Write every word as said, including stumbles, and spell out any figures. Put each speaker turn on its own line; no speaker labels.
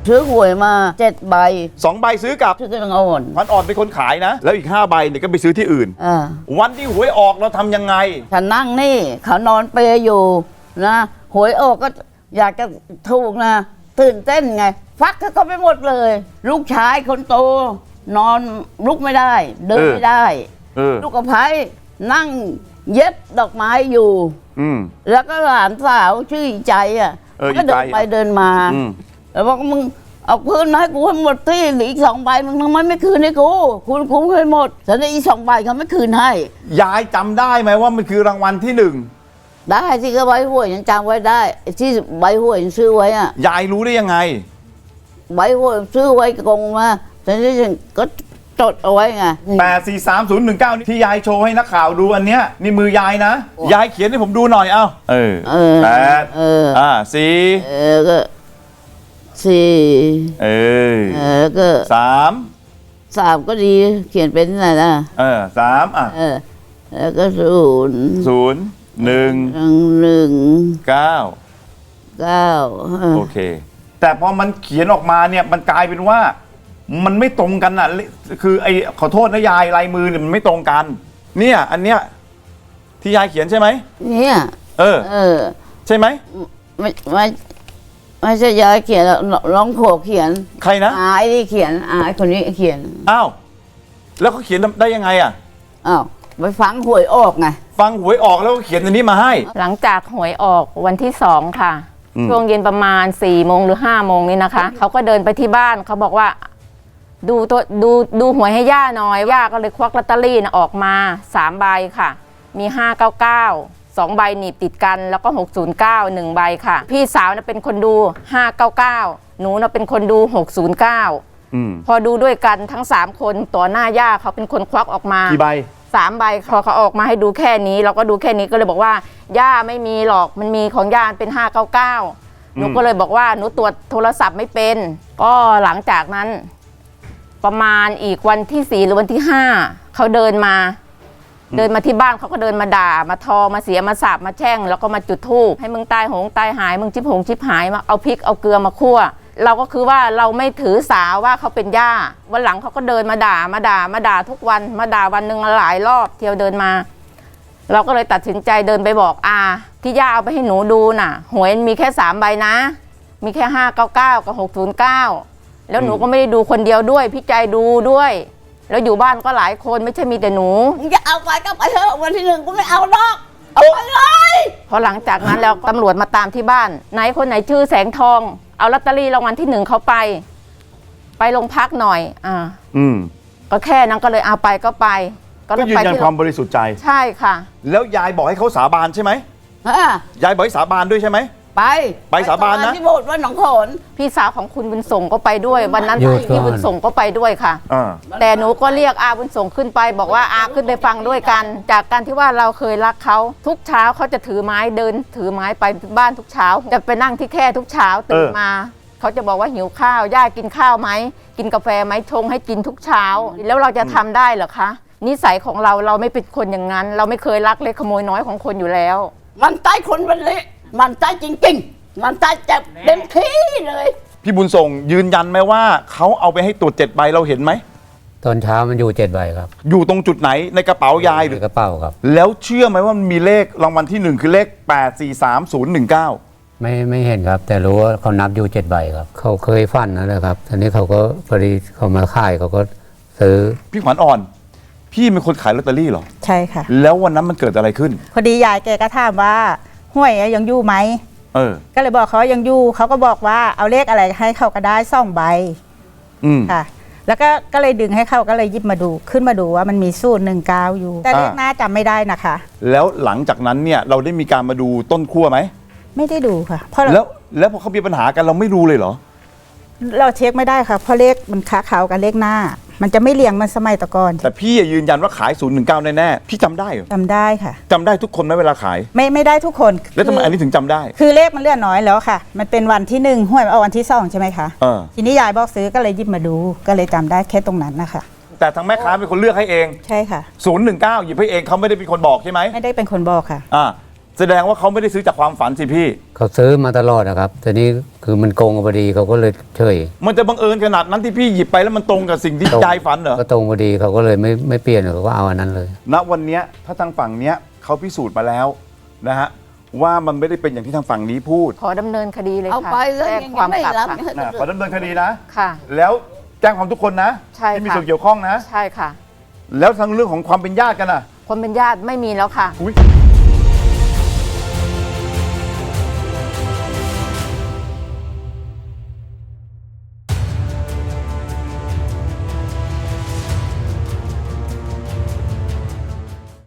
ซื้อหวยมาเจ็ดใบ
สองใบซื้อกับ
ซื้อกันอ่อน
พันอ่อนเป็นคนขายนะแล้วอีกห้าใบเนี่ยก็ไปซื้อที่อื่น
อ่า
วันที่หวยออกเราทำยังไง
ฉันนั่งนี่เขานอนเปรย์อยู่นะหวยออกก็อยากจะถูกนะตื่นเต้นไงฟักเขาไปหมดเลยลูกชายคนโตนอนลุกไม่ได้เดินไม่ได้ลูกกระไพนั่งเย็บดอกไม้อยู่แล้วก็หลานสาวชื่อใจอ่ะก็เดินไปเดินมาแล้วบอกมึงเอาคืนให้กูให้หมดที่อีกสองใบมึงทำไมไม่คืนให้กูคุณคุ้มให้หมดแต่ในอีกสองใบเขาไม่คืนให้
ยายจำได้ไหมว่ามันคือรางวัลที่หนึ่ง
ได้ที่ก็ใบหวยยังจำไว้ได้ที่ใบหวยยังซื้อไว้อ่ะ
ยายรู้ได้ยังไง
ใบหวยซื้อไว้กงมาแต่นี่ฉันก็จดเอาไว้ไง
แปดสี่สามศูนย์หนึ่งเก้าที่ยายโชว์ให้นักข่าวดูอันเนี้ยนี่มือยายนะยายเขียนให้ผมดูหน่อยเอ้าเออแปด
เออ
อ่าสี่
เออก็สี่
เออ
เออก็
สาม
สามก็ดีเขียนเป็นอะไรนะ
เออสามอ่ะ
เออแล้วก็ศูนย์
ศูนย์หนึ่ง
หนึ่ง
เก้า
เก้า
โอเคแต่พอมันเขียนออกมาเนี่ยมันกลายเป็นว่ามันไม่ตรงกันอ่ะคือไอ้ขอโทษนะยายลายมือเนี่ยมันไม่ตรงกันเนี่ยอันเนี้ยที่ยายเขียนใช่ไหม
เนี่ย
เออ
เออ
ใช่ไหม
ไม่ไม่ไม่ใช่ยายเขียนร้องโขกเขียน
ใครนะ
อายที่เขียนอายคนนี้เขียน
อ้าวแล้วเขาเขียนได้ยังไงอ่ะ
อ้าวไปฟังหวยออกไง
ฟังหวยออกแล้วก็เขียนอันนี้มาให้
หลังจากหวยออกวันที่สองค่ะช่วงเย็นประมาณสี่โมงหรือห้าโมงนี่นะคะเขาก็เดินไปที่บ้านเขาบอกว่าดูตัวดูดูหวยให้ย่าหน่อยย่าก็เลยควักลอตเตอรี่นะออกมาสามใบค่ะมีห้าเก้าเก้าสองใบหนีบติดกันแล้วก็หกศูนย์เก้าหนึ่งใบค่ะพี่สาวนะเป็นคนดูห้าเก้าเก้าหนูนะเป็นคนดูหกศูนย์เก้าพอดูด้วยกันทั้งสามคนต่อหน้าย่าเขาเป็นคนควักออกมา
กี่ใบ
สามใบพอเขาออกมาให้ดูแค่นี้เราก็ดูแค่นี้ก็เลยบอกว่าย่าไม่มีหรอกมันมีของย่าเป็นห้าเก้าเก้าหนูก็เลยบอกว่าหนูตรวจโทรศัพท์ไม่เป็นก็หลังจากนั้นประมาณอีกวันที่สี่หรือวันที่ห้าเขาเดินมาเดินมาที่บ้านเขาก็เดินมาด่ามาทอมาเสียมาสาบมาแช่งแล้วก็มาจุดธูปให้มึงตายโหงตายหายมึงชิบหงชิบหายมาเอาพริกเอาเกลือมาคั่วเราก็คือว่าเราไม่ถือสาว่าเขาเป็นย่าวันหลังเขาก็เดินมาด่ามาด่ามาด่าทุกวันมาด่าวันหนึ่งหลายรอบเที่ยวเดินมาเราก็เลยตัดสินใจเดินไปบอกอาที่ย่าเอาไปให้หนูดูน่ะหวยมีแค่สามใบนะมีแค่ห้าเก้าเก้ากับหกศูนย์เก้าแล้วหนูก็ไม่ได้ดูคนเดียวด้วยพี่ใจดูด้วยแล้วอยู่บ้านก็หลายคนไม่ใช่มีแต่หนู
จะเอาไปก็ไปเถอะวันที่หนึ่งกูไม่เอาหรอกเอาไปเลย
พอหลังจากนั้นแล้วตำรวจมาตามที่บ้านไหนคนไหนชื่อแสงทองเอาลอตเตอรี่รางวัลที่หนึ่งเขาไปไปโรงพักหน่อยอ่า
อืม
ก็แค่นั้นก็เลยเอาไปก็ไป
ก็ยืนยันความบริสุทธิ์ใจ
ใช่ค่ะ
แล้วยายบอกให้เขาสาบานใช่ไหมยายบอกให้สาบานด้วยใช่ไหม
ไป
ไปสาบานนะ
ที่โบสถ์วัดหนองโขน
พี่สาวของคุณบุญส่งก็ไปด้วยวันนั้นพี่บุญส่งก็ไปด้วยค่ะแต่หนูก็เรียกอาบุญส่งขึ้นไปบอกว่าอาขึ้นไปฟังด้วยกันจากการที่ว่าเราเคยรักเขาทุกเช้าเขาจะถือไม้เดินถือไม้ไปบ้านทุกเช้าจะไปนั่งที่แค่ทุกเช้าตื่นมาเขาจะบอกว่าหิวข้าวย่ากินข้าวไหมกินกาแฟไหมชงให้กินทุกเช้าแล้วเราจะทำได้เหรอคะนิสัยของเราเราไม่เป็นคนอย่างนั้นเราไม่เคยลักเล็กขโมยน้อยของคนอยู่แล้ว
มันใต้คนมันเละมันใต้จริงๆมันใต้เจ็บเต็มที่เลย
พี่บุญส่งยืนยันไหมว่าเขาเอาไปให้ตรวจเจ็ดใบเราเห็นไหม
ตอนเช้ามันอยู่เจ็ดใบครับ
อยู่ตรงจุดไหนในกระเป๋ายายหรือ
กระเป๋าครับ
แล้วเชื่อไหมว่ามันมีเลขรางวัลที่หนึ่งคือเลขแปดสี่สามศูนย์หนึ่งเก้า
ไม่ไม่เห็นครับแต่รู้ว่าเขานับอยู่เจ็ดใบครับเขาเคยฟันนั่นแหละครับทีนี้เขาก็พอดีเขามาขายเขาก็ซื้อ
พี่ขวัญอ่อนพี่เป็นคนขายลอตเตอรี่เหรอ
ใช่ค่ะ
แล้ววันนั้นมันเกิดอะไรขึ้น
พอดียายแกก็ถามว่าห้วยยังอยู่ไหม
เออ
ก็เลยบอกเขายังอยู่เขาก็บอกว่าเอาเลขอะไรให้เขาก็ได้สองใบ
อืม
ค่ะแล้วก็ก็เลยดึงให้เขาก็เลยหยิบมาดูขึ้นมาดูว่ามันมีสูตรหนึ่งเก้าอยู่แต่เลขหน้าจำไม่ได้นะคะ
แล้วหลังจากนั้นเนี่ยเราได้มีการมาดูต้นขั้วไหม
ไม่ได้ดูค่ะเพราะ
แล้วแล้วพอเขามีปัญหากันเราไม่รู้เลยเหรอ
เราเช็คไม่ได้ค่ะเพราะเลขมันค้าเขากับเลขหน้ามันจะไม่เรียงมันสมัยตะกอน
แต่พี่ยืนยันว่าขายศูนย์หนึ่งเก้าแน่ๆพี่จำได้เหรอ
จำได้ค่ะ
จำได้ทุกคนไหมเวลาขาย
ไม่ไม่ได้ทุกคน
แล้วทำไมอันนี้ถึงจำได้
คือเลขมันเลื่อนน้อยแล้วค่ะมันเป็นวันที่หนึ่งห้วยเอาวันที่สองใช่ไหมคะทีนี้ยายบอกซื้อก็เลยหยิบมาดูก็เลยจำได้แค่ตรงนั้นนะคะ
แต่ทางแม่ค้าเป็นคนเลือกให้เอง
ใช่ค่ะ
ศูนย์หนึ่งเก้าหยิบให้เองเขาไม่ได้เป็นคนบอกใช่ไหม
ไม่ได้เป็นคนบอกค่ะ
อ่าแสดงว่าเขาไม่ได้ซื้อจากความฝันสิพี่
เขาซื้อมาตลอดนะครับแต่นี้คือมันโกงกันพอดีเขาก็เลยเฉย
มันจะบังเอิญขนาดนั้นที่พี่หยิบไปแล้วมันตรงกับสิ่งที่
ตรง
ยายฝันเหรอ
ก็ตรงพอดีเขาก็เลยไม่ไม่เปลี่ยนเขาก็เอาอันนั้นเลย
ณวันเนี้ยถ้าทางฝั่งเนี้ยเขาพิสูจน์มาแล้วนะฮะว่ามันไม่ได้เป็นอย่างที่ทางฝั่งนี้พูด
ขอดำเนินคดีเลย
เอา
ค่ะ
ไปแล้ว
แจ้ง
ยัง
ความ
ไม่
กลับ
รับ
ค่ะ
นะขอดำเนินคดีนะ
ค่ะ
แล้วแจ้งความทุกคนนะ
ใช่
ที่มี
ค่ะ
ส่วนเกี่ยวข้องนะ
ใช่ค่ะ
แล้วทั้งเรื่องของความเป็นญาติกันอ่ะ
คนเป็นญาติไม่มีแล้วค่ะ
อุ๊ย